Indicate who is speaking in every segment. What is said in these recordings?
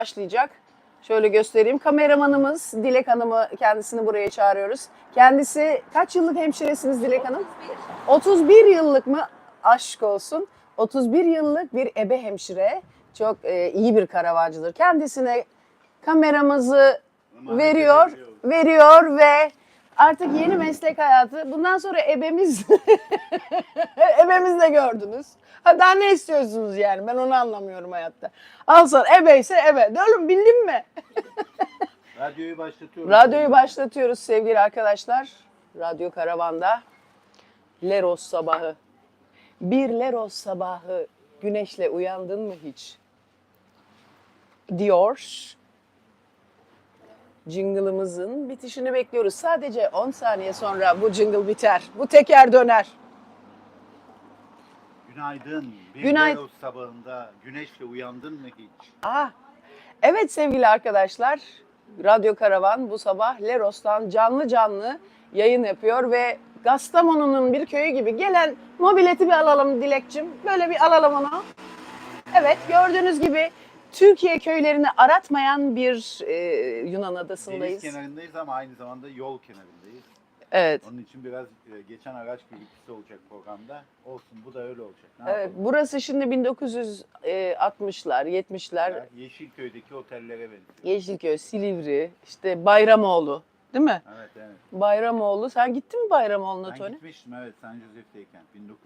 Speaker 1: başlayacak. Şöyle göstereyim. Kameramanımız Dilek Hanım'ı, kendisini buraya çağırıyoruz. Kendisi kaç yıllık hemşiresiniz Dilek Hanım? 31 yıllık mı? Aşk olsun. 31 yıllık bir ebe hemşire. Çok iyi bir karavancıdır. Kendisine kameramızı veriyor ve artık yeni meslek hayatı. Bundan sonra ebemiz ebemiz de gördünüz. Ha, daha ne istiyorsunuz yani? Ben onu anlamıyorum hayatta. Al sana ebe ise ebe. De oğlum bildin mi?
Speaker 2: Radyoyu başlatıyoruz.
Speaker 1: Radyoyu başlatıyoruz sevgili arkadaşlar. Radyo Karavan'da Leros sabahı. Bir Leros sabahı güneşle uyandın mı hiç? Diyor. Jingle'ımızın bitişini bekliyoruz. Sadece 10 saniye sonra bu jingle biter. Bu teker döner.
Speaker 2: Günaydın. Bir
Speaker 1: Günaydın.
Speaker 2: Leros sabahında güneşle uyandın mı hiç?
Speaker 1: Evet sevgili arkadaşlar, Radyo Karavan bu sabah Leros'tan canlı canlı yayın yapıyor ve Kastamonu'nun bir köyü gibi gelen mobileti bir alalım Dilekçim. Böyle bir alalım onu. Evet, gördüğünüz gibi Türkiye köylerini aratmayan bir Yunan adasındayız.
Speaker 2: Deniz kenarındayız ama aynı zamanda yol kenarındayız.
Speaker 1: Evet.
Speaker 2: Onun için biraz geçen araç gürültüsü olacak programda. Olsun, bu da öyle olacak. Ne
Speaker 1: Evet,
Speaker 2: yapalım?
Speaker 1: burası şimdi 1960'lar, 70'ler.
Speaker 2: Yeşilköy'deki otellere benziyor.
Speaker 1: Yeşilköy, Silivri, işte Bayramoğlu, değil mi?
Speaker 2: Evet, evet.
Speaker 1: Bayramoğlu. Sen gittin mi Bayramoğlu'na
Speaker 2: Ben
Speaker 1: Tony?
Speaker 2: gitmiştim, evet, San Jose'deyken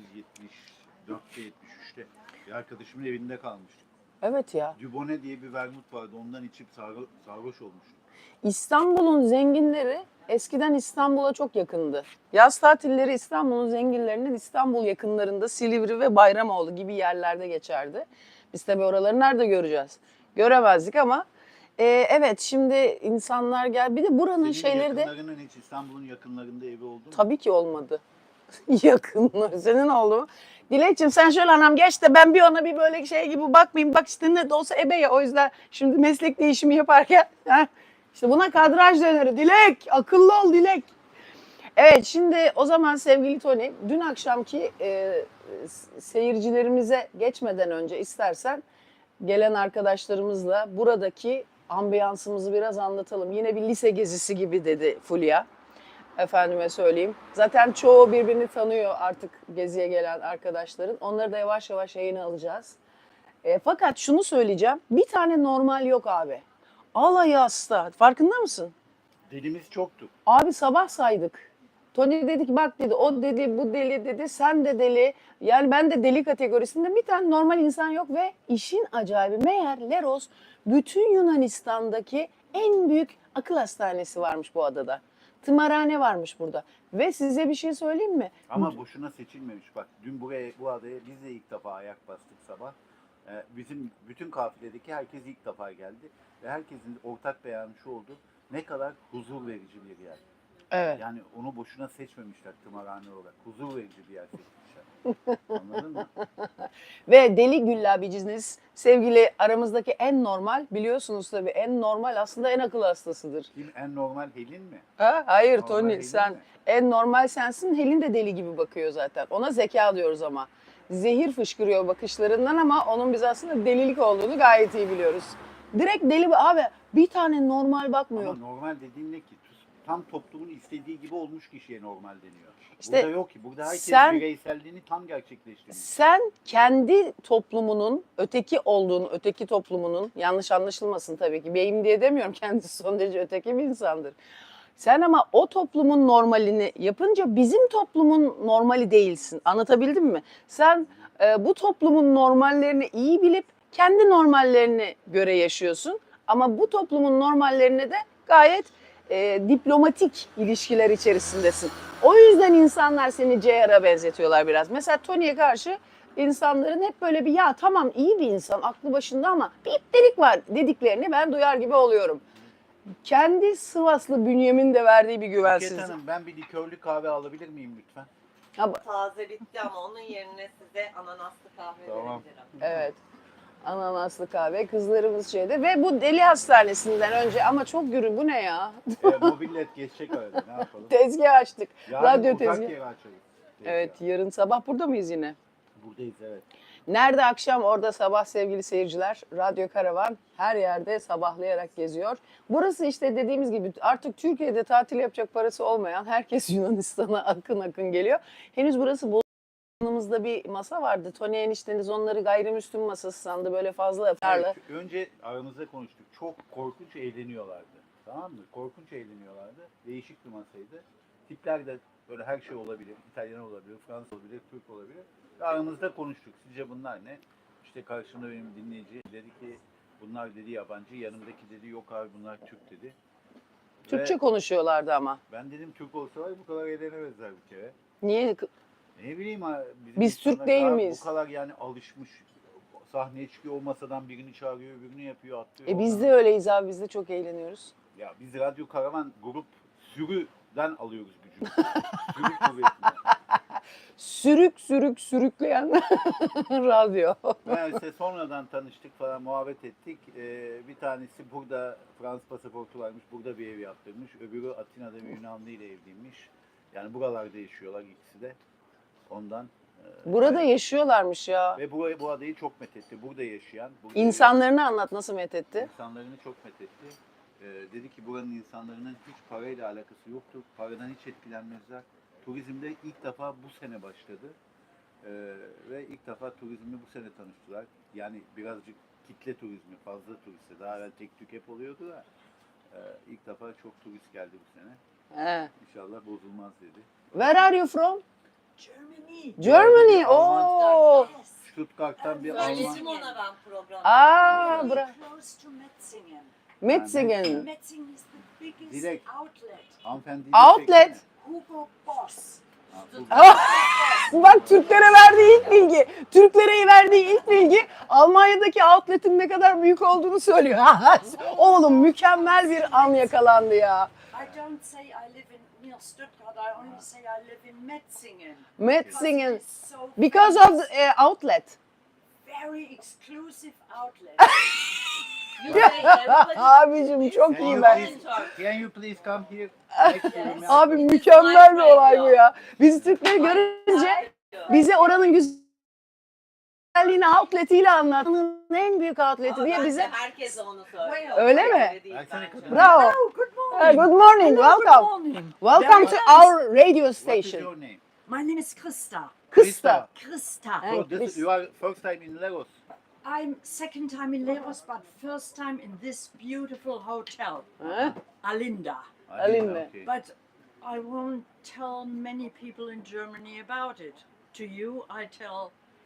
Speaker 2: 1974'te 73'te bir arkadaşımın evinde kalmıştım.
Speaker 1: Evet ya.
Speaker 2: Dubonnet diye bir vermut vardı, ondan içip sarhoş olmuştum.
Speaker 1: İstanbul'un zenginleri eskiden İstanbul'a çok yakındı. Yaz tatilleri İstanbul'un zenginlerinin İstanbul yakınlarında Silivri ve Bayramoğlu gibi yerlerde geçerdi. Biz tabii oraları nerede göreceğiz? Göremezdik ama evet şimdi insanlar gel. Bir de buranın
Speaker 2: Senin
Speaker 1: şeyleri de
Speaker 2: yakınlarının hiç İstanbul'un yakınlarında evi oldu mu?
Speaker 1: tabii ki olmadı. Yakınlar. Senin oldu mu? Dilekçim sen şöyle anam geç de ben bir ona bir böyle şey gibi bakmayayım. Bak işte ne de olsa ebe ya. O yüzden şimdi meslek değişimi yaparken işte buna kadraj denir. Dilek akıllı ol Dilek. Evet şimdi o zaman sevgili Tony dün akşamki seyircilerimize geçmeden önce istersen gelen arkadaşlarımızla buradaki ambiyansımızı biraz anlatalım. Yine bir lise gezisi gibi dedi Fulya. Efendime söyleyeyim. Zaten çoğu birbirini tanıyor artık geziye gelen arkadaşların. Onları da yavaş yavaş yayına alacağız. Fakat şunu söyleyeceğim. Bir tane normal yok abi. Alayı hasta. Farkında mısın?
Speaker 2: Delimiz çoktu.
Speaker 1: Abi sabah saydık. Tony dedi ki bak dedi o dedi bu deli dedi sen de deli. Yani ben de deli kategorisinde bir tane normal insan yok ve işin acayibi meğer Leros bütün Yunanistan'daki en büyük akıl hastanesi varmış bu adada. Tımarhane varmış burada. Ve size bir şey söyleyeyim mi?
Speaker 2: Ama boşuna seçilmemiş. Bak dün bu adaya biz de ilk defa ayak bastık sabah. Bizim bütün kafiledeki herkes ilk defa geldi. Ve herkesin ortak beyanı şu oldu. Ne kadar huzur verici bir yer.
Speaker 1: Evet.
Speaker 2: Yani onu boşuna seçmemişler tımarhane olarak. Huzur verici bir yer seçmişler. Anladın mı?
Speaker 1: Ve Deli Güllabiciniz sevgili aramızdaki en normal biliyorsunuz tabii en normal aslında en akıl hastasıdır.
Speaker 2: Kim en normal Helin mi?
Speaker 1: Ha? Hayır
Speaker 2: Normal
Speaker 1: Tony
Speaker 2: Helin
Speaker 1: sen
Speaker 2: mi?
Speaker 1: en normal sensin. Helin de deli gibi bakıyor zaten. Ona zeka diyoruz ama. Zehir fışkırıyor bakışlarından ama onun biz aslında delilik olduğunu gayet iyi biliyoruz. Direkt deli abi bir tane normal bakmıyor.
Speaker 2: Ama normal dediğin ne ki? Tam toplumun istediği gibi olmuş kişiye normal deniyor.
Speaker 1: İşte
Speaker 2: burada yok ki. Burada herkes
Speaker 1: sen-
Speaker 2: bireyselliğini tam gerçekleştiriyor.
Speaker 1: Sen kendi toplumunun öteki olduğunu, öteki toplumunun yanlış anlaşılmasın tabii ki. Beyim diye demiyorum kendisi son derece öteki bir insandır. Sen ama o toplumun normalini yapınca bizim toplumun normali değilsin. Anlatabildim mi? Sen bu toplumun normallerini iyi bilip kendi normallerine göre yaşıyorsun. Ama bu toplumun normallerine de gayet diplomatik ilişkiler içerisindesin. O yüzden insanlar seni JR'a benzetiyorlar biraz. Mesela Tony'ye karşı insanların hep böyle bir ya tamam iyi bir insan aklı başında ama bir iptelik var dediklerini ben duyar gibi oluyorum. Kendi Sivaslı bünyemin de verdiği bir
Speaker 2: Buket
Speaker 1: güvensizlik.
Speaker 2: Hanım, ben bir likörlü kahve alabilir miyim lütfen?
Speaker 3: Taze bitti ama onun yerine size ananaslı kahve
Speaker 2: Tamam.
Speaker 3: verebilirim.
Speaker 1: Evet. Ananaslı kahve. Kızlarımız şeyde. Ve bu deli hastanesinden önce ama çok gürü. Bu ne ya?
Speaker 2: Mobillet geçecek arada, ne yapalım?
Speaker 1: Tezgah açtık.
Speaker 2: Yarın
Speaker 1: Radyo
Speaker 2: uzak
Speaker 1: tezgahı.
Speaker 2: yere açarız.
Speaker 1: Evet yarın sabah burada mıyız yine?
Speaker 2: Buradayız, evet.
Speaker 1: Nerede akşam orada sabah sevgili seyirciler. Radyo Karavan her yerde sabahlayarak geziyor. Burası işte dediğimiz gibi artık Türkiye'de tatil yapacak parası olmayan herkes Yunanistan'a akın akın geliyor. Henüz burası yanımızda bir masa vardı. Tony enişteniz onları gayrimüslim masası sandı böyle fazla
Speaker 2: Evet,
Speaker 1: farlı.
Speaker 2: önce aramızda konuştuk. Çok korkunç eğleniyorlardı. Tamam mı? Korkunç eğleniyorlardı. Değişik bir masaydı. Tipler de böyle her şey olabilir. İtalyan olabilir, Fransız olabilir, Türk olabilir. Ve aramızda konuştuk. Sizce bunlar ne? İşte karşımda benim dinleyici dedi ki bunlar dedi yabancı. Yanımdaki dedi yok abi bunlar Türk dedi.
Speaker 1: Türkçe
Speaker 2: Ve
Speaker 1: konuşuyorlardı ama.
Speaker 2: ben dedim Türk olsalar bu kadar eğlenemezler bir kere.
Speaker 1: Niye?
Speaker 2: Ne bileyim ha, bizim
Speaker 1: Biz Türk
Speaker 2: insanlar
Speaker 1: değil
Speaker 2: daha
Speaker 1: miyiz?
Speaker 2: Bu kadar yani alışmış. Sahneye çıkıyor o masadan birini çağırıyor, öbürünü yapıyor, atlıyor.
Speaker 1: Biz
Speaker 2: oradan.
Speaker 1: de öyleyiz abi, biz de çok eğleniyoruz.
Speaker 2: Ya biz Radyo Karavan grup sürüden alıyoruz gücü. Sürü kuvvetinden.
Speaker 1: Sürükleyen radyo.
Speaker 2: Meğerse sonradan tanıştık falan muhabbet ettik. Bir tanesi burada Fransız pasaportu varmış, burada bir ev yaptırmış. Öbürü Atina'da bir Yunanlı ile evliymiş. Yani buralarda yaşıyorlar ikisi de. Ondan.
Speaker 1: Burada yaşıyorlarmış ya.
Speaker 2: Ve bu adayı çok methetti. Burada yaşayan. Burada
Speaker 1: İnsanlarını anlat, nasıl methetti?
Speaker 2: İnsanlarını çok methetti. Dedi ki buranın insanların hiç parayla alakası yoktur. Paradan hiç etkilenmezler. Turizmde ilk defa bu sene başladı. Ve ilk defa turizmle bu sene tanıştılar. Yani birazcık kitle turizmi, fazla turiste. Daha evvel tek tük hep oluyordu da. İlk defa çok turist geldi bu sene.
Speaker 1: He.
Speaker 2: İnşallah bozulmaz dedi.
Speaker 1: Where are you from?
Speaker 4: Germany.
Speaker 1: Germany.
Speaker 2: Alman.
Speaker 1: Oh.
Speaker 4: Yes.
Speaker 2: Stuttgart'tan bir Alman.
Speaker 3: Söyledim ona ben programda.
Speaker 1: Aa,
Speaker 4: Very
Speaker 1: bra.
Speaker 4: close to Metzingen.
Speaker 1: Metzingen.
Speaker 4: Metzingen is the biggest
Speaker 2: Direkt.
Speaker 4: outlet.
Speaker 2: Hanımefendi
Speaker 1: Outlet.
Speaker 4: Hugo Boss.
Speaker 1: Bak Türklere verdiği ilk bilgi. Türklere verdiği ilk bilgi Almanya'daki outlet'in ne kadar büyük olduğunu söylüyor. Oğlum mükemmel bir an yakalandı ya.
Speaker 4: I don't say I live in near Stuttgart. I only say I live in Metzingen.
Speaker 1: Metzingen.
Speaker 4: Because it is so
Speaker 1: Because of
Speaker 4: famous.
Speaker 1: the outlet.
Speaker 4: Very exclusive outlet.
Speaker 3: You say everybody-
Speaker 1: Abicim çok
Speaker 2: Can
Speaker 1: iyi
Speaker 2: you
Speaker 1: ben.
Speaker 2: please- Can you please come here?
Speaker 1: Abi mükemmel bir olay bu ya. Biz Türkleri görünce bize oranın güzelliğini outletiyle anlattın. En büyük outleti
Speaker 3: Ama
Speaker 1: diye
Speaker 3: bence
Speaker 1: bize.
Speaker 3: herkes onu söylüyor.
Speaker 1: Öyle mi?
Speaker 3: değil
Speaker 2: Versene
Speaker 3: bence.
Speaker 2: kadın.
Speaker 1: Bravo.
Speaker 4: Oh, good
Speaker 1: Hey,
Speaker 4: morning.
Speaker 1: good morning.
Speaker 4: Hello,
Speaker 1: Welcome.
Speaker 4: Good morning.
Speaker 1: Welcome to
Speaker 4: Very nice.
Speaker 1: our radio
Speaker 2: What is
Speaker 1: station.
Speaker 2: your name?
Speaker 4: My name is Krista.
Speaker 1: Kısta.
Speaker 4: Krista.
Speaker 1: Hey.
Speaker 2: So this, you are first time in Lagos.
Speaker 4: I'm second time in Lagos, but first time in this beautiful hotel,
Speaker 1: Ha?
Speaker 4: Alinda.
Speaker 1: Alinda.
Speaker 2: Okay.
Speaker 4: But I won't tell many people in Germany about it. To you, I tell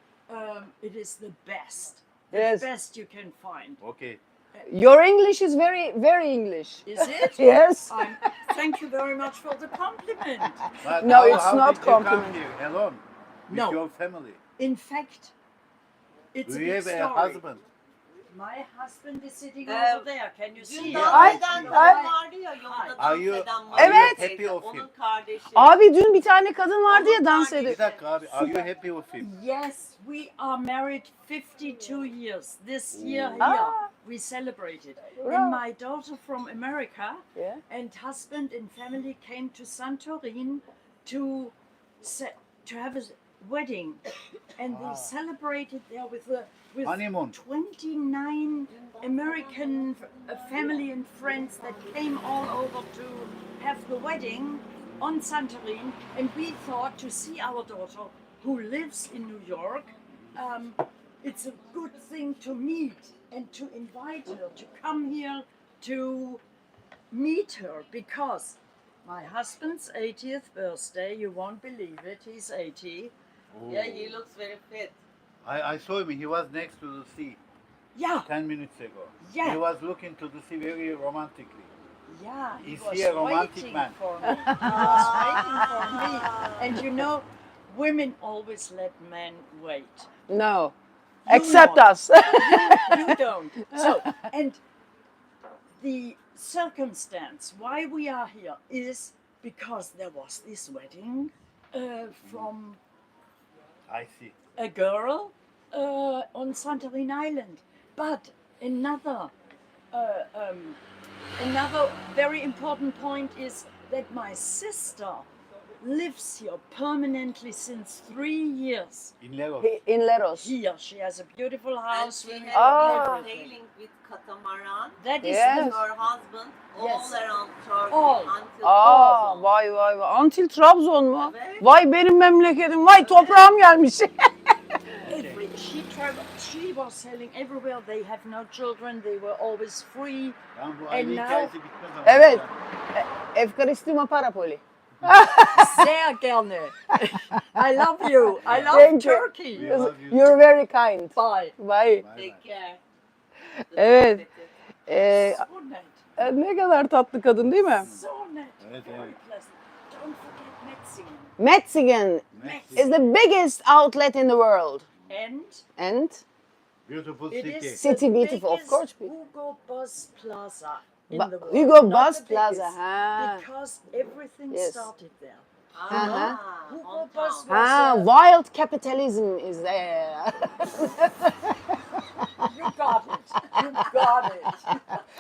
Speaker 4: it is the best. The
Speaker 1: Yes.
Speaker 4: best you can find.
Speaker 2: Okay.
Speaker 1: Your English is very, very English.
Speaker 4: Is it?
Speaker 1: Yes.
Speaker 4: Thank you very much for the compliment.
Speaker 2: But
Speaker 1: No, it's not
Speaker 2: did you come
Speaker 1: compliment.
Speaker 2: here alone with
Speaker 4: No.
Speaker 2: your family?
Speaker 4: In fact, it's
Speaker 2: Do
Speaker 4: a
Speaker 2: you
Speaker 4: big
Speaker 2: have a
Speaker 4: story.
Speaker 2: husband?
Speaker 4: My husband is sitting
Speaker 3: Ee,
Speaker 4: over there. Can you
Speaker 3: Dün
Speaker 4: see?
Speaker 3: dans
Speaker 1: Ay,
Speaker 3: eden
Speaker 1: ay.
Speaker 3: kadın vardı ya yolda
Speaker 2: Are
Speaker 3: dans
Speaker 2: you-
Speaker 3: eden
Speaker 2: are
Speaker 3: var.
Speaker 1: you Evet.
Speaker 2: happy of him?
Speaker 3: Onun kardeşi.
Speaker 1: Abi dün bir tane kadın vardı ya dans
Speaker 3: Onun
Speaker 1: ediyor.
Speaker 2: Bir dakika abi. Are you happy with him?
Speaker 4: Yes, we are married 52 years. This year here
Speaker 1: Ah.
Speaker 4: we celebrated.
Speaker 1: Wow.
Speaker 4: And my daughter from America
Speaker 1: Yeah.
Speaker 4: and husband and family came to Santorin to have a wedding, and they celebrated there with
Speaker 2: Honeymoon.
Speaker 4: 29 American family and friends that came all over to have the wedding on Santorin, and we thought to see our daughter who lives in New York, it's a good thing to meet and to invite her to come here to meet her, because my husband's 80th birthday, you won't believe it, he's 80.
Speaker 3: Yeah, he looks very fit.
Speaker 2: I saw him. He was next to the sea
Speaker 4: Yeah,
Speaker 2: 10 minutes ago.
Speaker 4: Yeah.
Speaker 2: He was looking to the sea very romantically.
Speaker 4: yeah, he
Speaker 2: Is
Speaker 4: was
Speaker 2: he a romantic
Speaker 4: waiting
Speaker 2: man?
Speaker 4: for me. He was waiting for me. And you know, women always let men wait.
Speaker 1: No.
Speaker 4: You
Speaker 1: Accept
Speaker 4: don't.
Speaker 1: us.
Speaker 4: You don't. So, and the circumstance why we are here is because there was this wedding from
Speaker 2: I see.
Speaker 4: a girl on Santorin Island. But another another very important point is that my sister lives here permanently since 3 years.
Speaker 2: İnler olsun.
Speaker 1: In Leros.
Speaker 4: Here, she has a beautiful
Speaker 3: And
Speaker 4: house.
Speaker 3: she
Speaker 4: with
Speaker 3: has been
Speaker 4: everything.
Speaker 3: sailing with catamaran
Speaker 4: That is
Speaker 1: Yes.
Speaker 3: with
Speaker 4: the
Speaker 3: her husband
Speaker 4: Yes.
Speaker 3: all around Turkey
Speaker 4: All.
Speaker 3: until
Speaker 1: Aa,
Speaker 3: Trabzon.
Speaker 1: vay vay vay. Until Trabzon mu?
Speaker 3: Evet.
Speaker 1: Vay benim memleketim. Vay toprağım gelmiş.
Speaker 4: She was sailing everywhere. They have no children. They were always free.
Speaker 2: Yani bu aile
Speaker 4: now-
Speaker 2: hikayesi bitmez ama.
Speaker 1: Evet. Efkaristimo Parapoli.
Speaker 4: Sehr gerne. I love you. I love
Speaker 1: Thank you.
Speaker 4: Turkey.
Speaker 2: We love you.
Speaker 1: You're very kind.
Speaker 4: Bye.
Speaker 1: Bye.
Speaker 2: Bay bay.
Speaker 3: Take care.
Speaker 1: Evet. Ee,
Speaker 4: So net.
Speaker 1: ne kadar tatlı kadın değil mi?
Speaker 4: So net.
Speaker 2: Evet,
Speaker 4: Very
Speaker 2: evet.
Speaker 4: pleasant. Don't forget Metzingen.
Speaker 1: Metzingen
Speaker 2: Merci.
Speaker 1: is the biggest outlet in the world.
Speaker 4: And
Speaker 1: And
Speaker 2: Beautiful
Speaker 4: it
Speaker 2: city.
Speaker 4: is
Speaker 1: City
Speaker 4: the
Speaker 1: beautiful, of
Speaker 4: biggest
Speaker 1: course.
Speaker 4: Hugo Boss Plaza in
Speaker 1: Ba-
Speaker 4: the world.
Speaker 1: Hugo
Speaker 4: Not
Speaker 1: Boss
Speaker 4: the
Speaker 1: Plaza.
Speaker 4: biggest,
Speaker 1: Ha.
Speaker 4: Because everything
Speaker 1: Yes.
Speaker 4: started there.
Speaker 3: Ah,
Speaker 4: Hugo
Speaker 3: hometown.
Speaker 4: Boss
Speaker 1: Ha,
Speaker 4: was
Speaker 1: wild capitalism is there.
Speaker 4: you got it. You got it.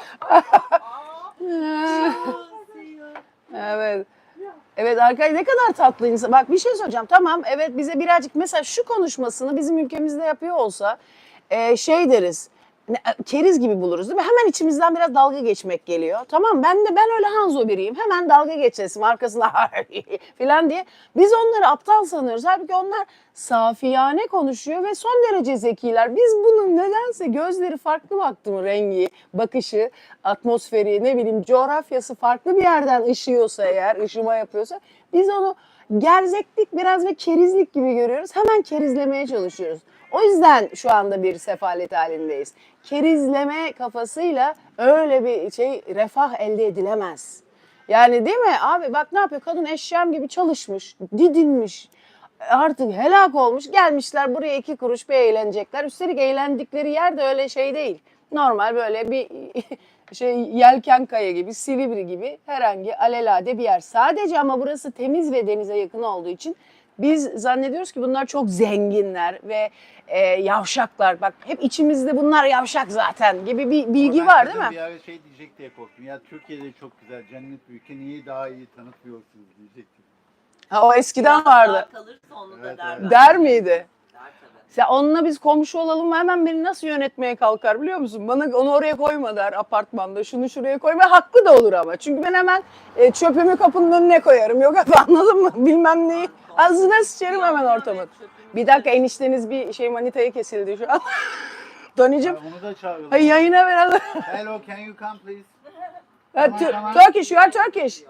Speaker 1: Evet. Evet arkadaşlar ne kadar tatlı insan. Bak bir şey söyleyeceğim. Tamam evet bize birazcık mesela şu konuşmasını bizim ülkemizde yapıyor olsa şey deriz. Keriz gibi buluruz değil mi? Hemen içimizden biraz dalga geçmek geliyor. Tamam ben öyle Hanzo biriyim. Hemen dalga geçesim arkasına falan diye. Biz onları aptal sanıyoruz. Halbuki onlar safiyane konuşuyor ve son derece zekiler. Biz bunun nedense gözleri farklı baktı mı rengi, bakışı, atmosferi, ne bileyim coğrafyası farklı bir yerden ışıyorsa eğer, ışıma yapıyorsa biz onu gerzeklik biraz ve kerizlik gibi görüyoruz. Hemen kerizlemeye çalışıyoruz. O yüzden şu anda bir sefalet halindeyiz. Kerizleme kafasıyla öyle bir refah elde edilemez. Yani değil mi abi bak ne yapıyor kadın eşyam gibi çalışmış, didinmiş, artık helak olmuş gelmişler buraya 2 kuruş bir eğlenecekler. Üstelik eğlendikleri yer de öyle şey değil. Normal böyle bir yelken kaya gibi, Silivri gibi herhangi alelade bir yer. Sadece ama burası temiz ve denize yakın olduğu için biz zannediyoruz ki bunlar çok zenginler ve yavşaklar. Bak hep içimizde bunlar yavşak zaten gibi bir bilgi
Speaker 2: Ama ben
Speaker 1: var değil
Speaker 2: kadın
Speaker 1: mi?
Speaker 2: Bir ara şey diyecek diye korktum. Ya Türkiye'de çok güzel, cennet bir ülke. Niye daha iyi tanıtmıyorsunuz diyecektim.
Speaker 1: Ha, o eskiden
Speaker 3: Biraz daha
Speaker 1: vardı.
Speaker 3: kalırsa onu
Speaker 2: Evet,
Speaker 3: da der.
Speaker 2: evet.
Speaker 1: Der miydi?
Speaker 3: Der tabii.
Speaker 1: Sen onunla biz komşu olalım mı hemen beni nasıl yönetmeye kalkar biliyor musun? Bana onu oraya koyma der apartmanda, şunu şuraya koyma. Haklı da olur ama. Çünkü ben hemen çöpümü kapının önüne koyarım. Yok efendim anladın mı? Bilmem neyi. Ağzına sıçarım hemen ortamın. Bir dakika enişteniz bir manitaya kesildi şu an. Tony'cim.
Speaker 2: Onu da çağıralım.
Speaker 1: Hayır yayına verelim.
Speaker 2: Hello, can you come please?
Speaker 1: Turkish, you are Turkish.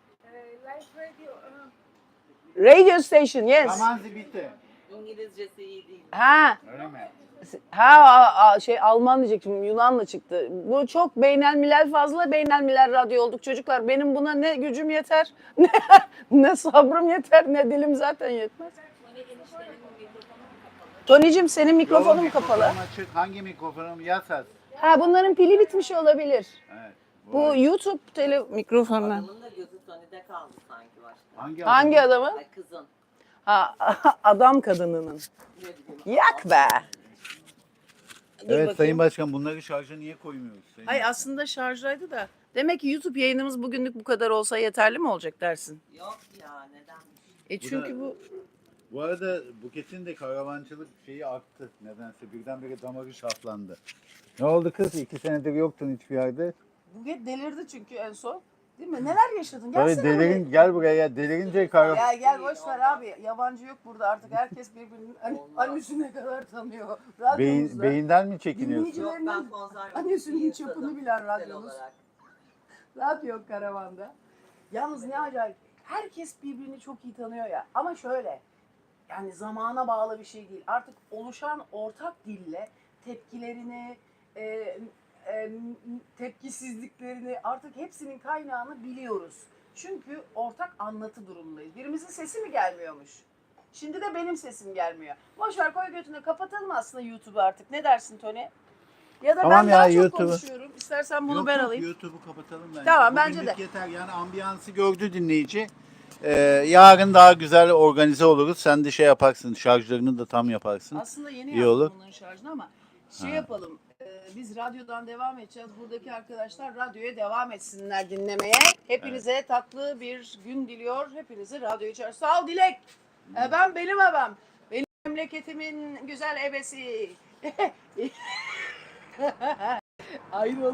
Speaker 1: Radio station, yes.
Speaker 2: Amanzi bitti.
Speaker 3: İngilizcesi iyi değil.
Speaker 1: Ha.
Speaker 2: Öyle mi?
Speaker 1: Alman diyecektim Yunanlı çıktı. Bu çok beynelmilel fazla beynelmilel radyo olduk çocuklar. Benim buna ne gücüm yeter, ne sabrım yeter, ne dilim zaten yetmez. Tony'cim senin mikrofonun
Speaker 2: Yok,
Speaker 1: kapalı.
Speaker 2: mikrofonum açık. Hangi mikrofonum? Yasas.
Speaker 1: Ha bunların pili bitmiş olabilir.
Speaker 2: Evet.
Speaker 1: Bu YouTube mikrofonlar.
Speaker 3: Adamın da gözü Tony'de kaldı sanki başta.
Speaker 1: Hangi adamı?
Speaker 3: Ay kızın.
Speaker 1: Ha adam kadınının.
Speaker 3: Ne bileyim.
Speaker 1: Yak be.
Speaker 2: Evet Sayın Başkan bunları şarja niye koymuyoruz? Sayın
Speaker 1: Hayır
Speaker 2: Başkan?
Speaker 1: aslında şarjdaydı da. Demek ki YouTube yayınımız bugünlük bu kadar olsa yeterli mi olacak dersin?
Speaker 3: Yok ya neden?
Speaker 1: Çünkü bu
Speaker 2: Bu arada Buket'in de karavancılık şeyi arttı nedense. Birdenbire damarı şaflandı. Ne oldu kız? 2 senedir yoktun hiçbir yerde.
Speaker 1: Buget delirdi çünkü en son. Değil mi? Neler yaşadın?
Speaker 2: Tabii
Speaker 1: Gelsene
Speaker 2: delirin, gel buraya ya. Delirince karavan.
Speaker 1: buraya. Gel boş ver abi. Yabancı yok burada artık. Herkes birbirinin annesine kadar tanıyor. Radyomuzda.
Speaker 2: Beyinden mi çekiniyorsun?
Speaker 1: Dinleyici-
Speaker 3: Yok ben konserve.
Speaker 1: Annesinin çapını
Speaker 3: yasadım
Speaker 1: bilen
Speaker 3: kişisel
Speaker 1: radyomuz.
Speaker 3: olarak.
Speaker 1: Radyo karavanda. Yalnız ne acayip. Herkes birbirini çok iyi tanıyor ya. Ama şöyle. Yani zamana bağlı bir şey değil. Artık oluşan ortak dille tepkilerini, tepkisizliklerini artık hepsinin kaynağını biliyoruz. Çünkü ortak anlatı durumundayız. Birimizin sesi mi gelmiyormuş? Şimdi de benim sesim gelmiyor. Boş ver koy götüne kapatalım aslında YouTube'u artık. Ne dersin Tony? Ya da
Speaker 2: Tamam
Speaker 1: ben
Speaker 2: ya,
Speaker 1: daha çok
Speaker 2: YouTube'u.
Speaker 1: konuşuyorum. İstersen bunu
Speaker 2: Yok,
Speaker 1: ben
Speaker 2: yok,
Speaker 1: alayım.
Speaker 2: YouTube'u kapatalım bence.
Speaker 1: Tamam, bence
Speaker 2: Bugünlük
Speaker 1: de.
Speaker 2: yeter yani ambiyansı gördü dinleyici. Yarın daha güzel organize oluruz. Sen de şey yaparsın, şarjlarını da tam yaparsın.
Speaker 1: Aslında yeni
Speaker 2: İyi
Speaker 1: yaptım
Speaker 2: olur.
Speaker 1: bunların şarjını ama şey yapalım. Biz radyodan devam edeceğiz. Buradaki arkadaşlar radyoya devam etsinler dinlemeye. Hepinize tatlı bir gün diliyor. Hepinizi radyo içer. Sağ ol Dilek. Benim ebem. Benim memleketimin güzel ebesi. Aynı